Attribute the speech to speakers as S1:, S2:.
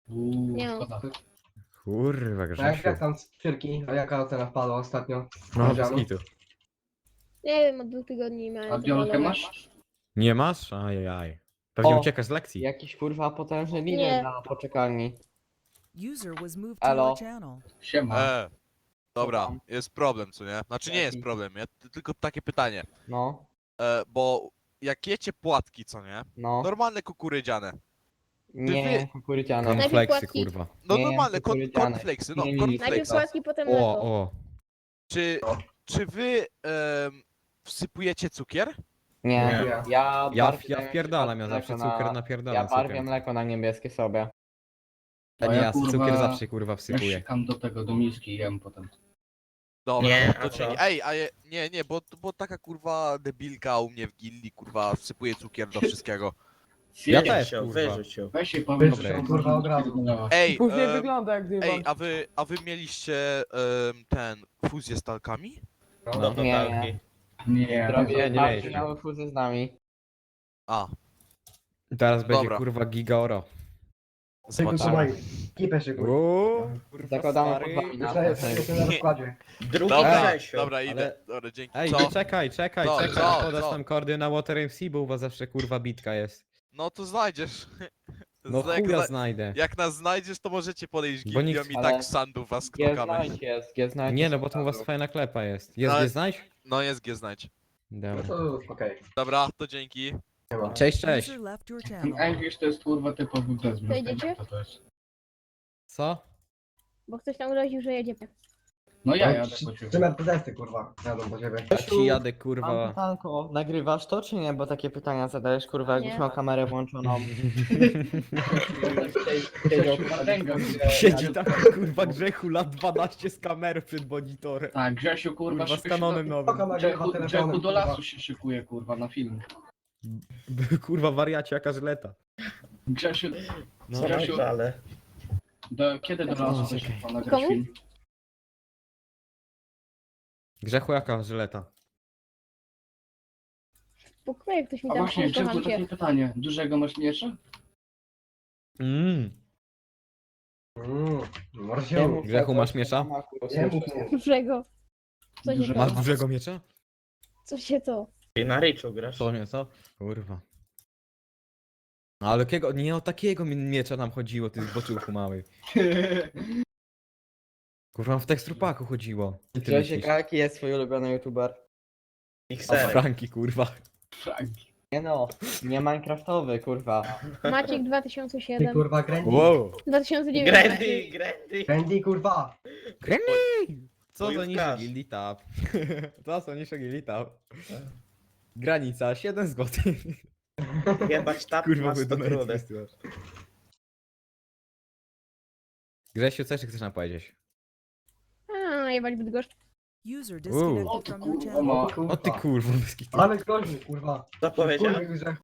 S1: Nie.
S2: Szkoda.
S3: Kurwa,
S4: Jak
S3: Grzesiu.
S4: tam cukierki? A jaka ocena wpadła ostatnio?
S3: No, bez
S4: Powiedziano?
S3: kitu.
S1: Nie wiem, od 2 tygodni miałem.
S2: A
S1: to
S2: biolkę
S1: malowe.
S2: masz?
S3: Nie masz? Ajajaj. Pewnie
S5: O.
S3: uciekasz z lekcji.
S5: Jakiś kurwa potężny
S1: Nie.
S5: lider na poczekalni.
S6: User was moved to
S5: Elo.
S6: your channel.
S2: Siema.
S7: Dobra,
S5: tam?
S7: jest problem, co nie? Znaczy nie jest
S5: Jaki?
S7: problem, tylko takie pytanie.
S5: No,
S7: Bo jak jecie płatki, co nie?
S5: no.
S7: Normalne kukurydziane.
S5: Nie, kukurydziane.
S1: Najpierw
S3: Cornflakesy,
S1: płatki.
S3: kurwa.
S7: No
S5: Nie,
S7: normalne,
S5: kukurydziane.
S7: cornflakesy, no
S5: Nie, nie, nie.
S1: Najpierw
S7: cornflakesy.
S1: słodki, potem
S3: O,
S1: mleko.
S3: o.
S7: Czy wy wsypujecie cukier?
S5: Nie,
S4: Nie.
S5: ja
S3: Ja
S5: barwię
S3: wpierdalam, ja
S5: mleko
S3: zawsze
S5: na-
S3: cukier
S5: Ja
S3: napierdalam
S5: barwię
S3: cukier.
S5: mleko na niebieskie sobie.
S3: A nie, ja
S2: kurwa,
S3: cukier zawsze kurwa
S2: Ja
S3: wsypuję.
S2: sikam do tego, do miski i jem potem.
S7: Dobra,
S8: Nie,
S7: to
S8: a
S7: dzięki.
S8: co?
S7: Ej, nie, bo taka kurwa debilka u mnie w gilli, kurwa, wsypuje cukier do wszystkiego.
S3: Ja
S8: Wyrzuć
S3: też,
S8: ją,
S3: kurwa.
S8: wyrzuć ją.
S2: Weź się powiedz,
S4: Dobra,
S2: że
S4: kurwa, od razu.
S7: Ej,
S5: wygląda jak
S7: ej, a wy mieliście ten fuzję z talkami?
S8: No to
S5: Nie.
S8: talki.
S2: Nie,
S5: Robię
S3: nie
S5: tak,
S3: mieliśmy.
S5: miały fuzję z nami.
S7: A,
S3: Teraz będzie
S7: Dobra.
S3: kurwa giga oro.
S4: Tylko
S7: zobaczymy.
S4: słuchaj, kipę szykuj.
S3: Uuu, kurwa
S5: Zakładamy
S3: stary.
S5: pod wami na
S4: Myślę, że jestem na rozkładzie.
S8: Drugi
S7: Dobra,
S8: Grzesiu.
S7: dobra, idę.
S3: ale-
S7: Dobra, dzięki.
S3: Ej,
S7: Co?
S3: czekaj,
S7: Co?
S3: podasz
S7: Co?
S3: nam kordy na Water MC, bo u was zawsze kurwa bitka jest.
S7: No to znajdziesz.
S3: No
S7: jak,
S3: chuja znajdę.
S7: jak nas znajdziesz, to możecie podejść
S3: Bo
S7: gildią
S3: nikt-
S7: i
S5: ale-
S7: tak sandu was knokamy.
S5: G-znajdź jest, G-znajdź
S3: Nie
S5: jest
S3: no, bo to u was
S5: od razu.
S3: fajna klepa jest. Jest,
S7: Ale-
S3: nie znajdź?
S7: No jest znajdź.
S4: No
S3: Dobra.
S4: to okej.
S7: Dobra, to dzięki.
S4: Nie ma.
S3: Cześć, cześć.
S6: User left your channel.
S2: English to jest kurwa typowy bezmiot.
S1: Wejdziecie?
S2: Co to jest?
S3: Co?
S1: Bo ktoś tam groził, że jedzie.
S2: No ja
S4: No,
S2: jadę po ciebie.
S4: Trzy metodesty, kurwa. Jadą po ciebie.
S3: Ja ci jadę
S5: Mam
S3: kurwa.
S5: pytanko, nagrywasz to czy nie? Bo takie pytania zadajesz, kurwa, jakbyś
S1: Nie.
S5: miał kamerę włączoną.
S3: Siedzi tam kurwa Grzechu lat 12 z kamerą przed monitorem.
S2: Tak, Grzesiu kurwa
S3: Kurwa z
S2: szybko się
S3: kanonem
S2: do...
S3: nowym.
S4: Spoko, nagrywa
S2: Grzechu
S4: telefonem,
S2: do
S4: kurwa.
S2: lasu się szykuje kurwa na film.
S3: Kurwa wariacie jaka żleta.
S2: Grzesiu,
S3: No,
S2: Grzesiu,
S8: ale...
S2: kiedy do
S3: No,
S2: lasu
S3: czekaj.
S2: się pan nagrać
S1: Komu?
S2: film?
S3: Grzechu jaka żleta?
S1: W pokoju ktoś mi
S2: A
S1: tam
S2: właśnie,
S1: kocham
S2: Grzechu,
S1: cię.
S2: takie pytanie. Dużego masz miecza?
S4: Może się
S5: Nie
S4: mów.
S5: mów
S3: Grzechu,
S5: tego,
S3: masz
S5: co
S3: miecza?
S5: na maku
S4: Nie mów
S5: usłyszę.
S4: mu.
S1: Dużego. Co się
S2: Dużego.
S3: Masz
S1: to?
S3: dużego miecza?
S1: Co się to?
S8: Ty na Riczu grasz.
S3: Co mnie, co? Kurwa. No ale jakiego, nie o takiego miecza nam chodziło, ty zboczyłku mały. Kurwa, w tekstrupaku chodziło. I ty
S5: Grzesiek,
S3: myślisz?
S5: a jaki jest twój ulubiony youtuber?
S8: Ich
S3: A
S8: serek.
S3: Franki, kurwa.
S2: Franki.
S5: Nie no, nie minecraftowy, kurwa.
S1: Maciek
S4: Ty
S1: 2007.
S4: kurwa, Grandy.
S3: Wow.
S1: 2009.
S8: Grandy, Grandy.
S4: Grandy, kurwa.
S3: Co za
S8: Bojówkarz.
S3: niższy gildi tab? Co za niższy gildi tab? Granica 7 zł.
S8: Jebać tap
S3: Kurwa,
S8: ma
S3: wy
S8: 100
S3: donaty
S8: trudek.
S3: wysyłasz. Grzesiu, co jeszcze chcesz nam powiedzieć?
S1: A, jebać Bydgoszcz.
S6: User
S2: O
S6: disconnected
S2: ty
S6: from your
S2: kurwa
S6: channel.
S2: ma.
S3: O ty kurwa, bez kitu.
S4: Ale groźny, kurwa.
S8: Co powiedział?
S4: Kurwa, Grzechu.